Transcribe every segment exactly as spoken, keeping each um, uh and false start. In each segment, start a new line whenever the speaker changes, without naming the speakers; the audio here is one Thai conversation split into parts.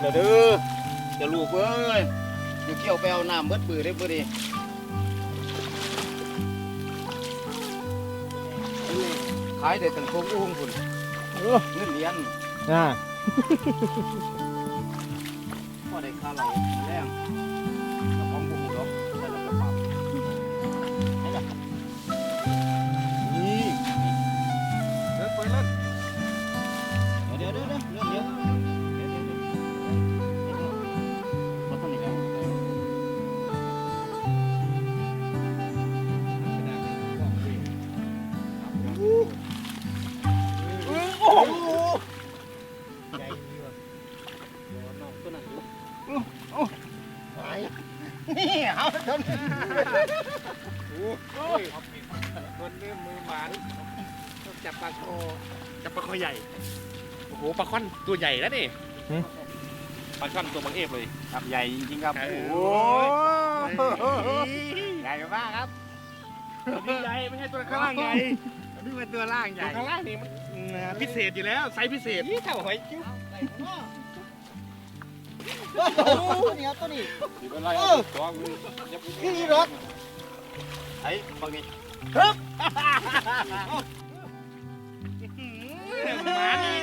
เด้อจะลูกเอ้ยอยู่เกี่ยวไปเอาน้ำเบิดปือได้บ่ดีขายได้ตั้งโคงอุ้งพุ่นเงินเหรียญอ่าพอได้ค่าเราแรงกระป๋องบุ้งดอกได้แล้วกระเป๋าให้ละนี่เดินไปเล่นเดี๋ยวเดี๋ยวเดี๋ยวเดี๋ยวเดี๋ยวเดี๋ยวเดี๋ยวเดี๋ยวมาทางนี้แล้วโอ้โหใหญ่ดีว่ะเดี๋ยวน้องตัวนั้นอยู่โอ้ไปนี่เอาจนโอ้ยคนนี้มือหมันต้องจับปลาคอจับปลาคอใหญ่โอ้โหปลาค่อนตัวใหญ่แล้วนี่ปลาช่อนตัวบางเอฟเลยครับใหญ่จริงๆครับโอ้โหใหญ่มากครับตัวใหญ่ไม่ใช่ตัวข้างล่างใหญ่นี่เป็นตัวล่างใหญ่ข้างล่างนี่มันพิเศษอยู่แล้วไซส์พิเศษนี่เท่าหอยจิ้วตัวนี้ตัวนี้เออนี่รถไอ้บางนี้ครับมาดี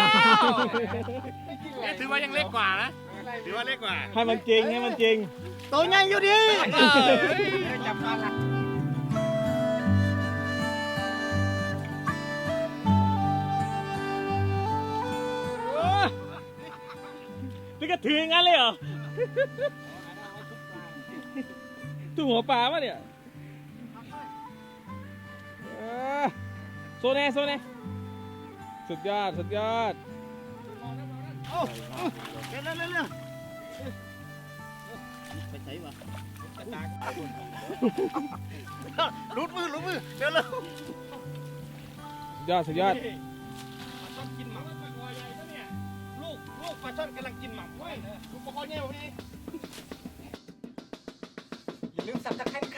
แล้วถือว่ายังเล็กกว่านะถือว่าเล็กกว่า
ให้มันจริงให้มันจริง
ตัวใหญ่อยู่ดีจับปลาละ
นี่ก็ถืองั้นเลยเหรอตัวหัวปลาวะเนี่ยโซเน่โซเน่สุดยอดสุดยอด
โอ้เร็วเร็วเร็วเร็วไปใส่วะลุดมือลุดมือเร็วเร็ว
สุดยอดสุดยอด
ปลาช่อนกินหม่ำปลาคอใหญ่ปะเนี่ยลูกลูกปลาช่อนกำลังกินหม่ำเว้ยลูกปลาคอใหญ่พอดีอย่าลืมสับตะไคร้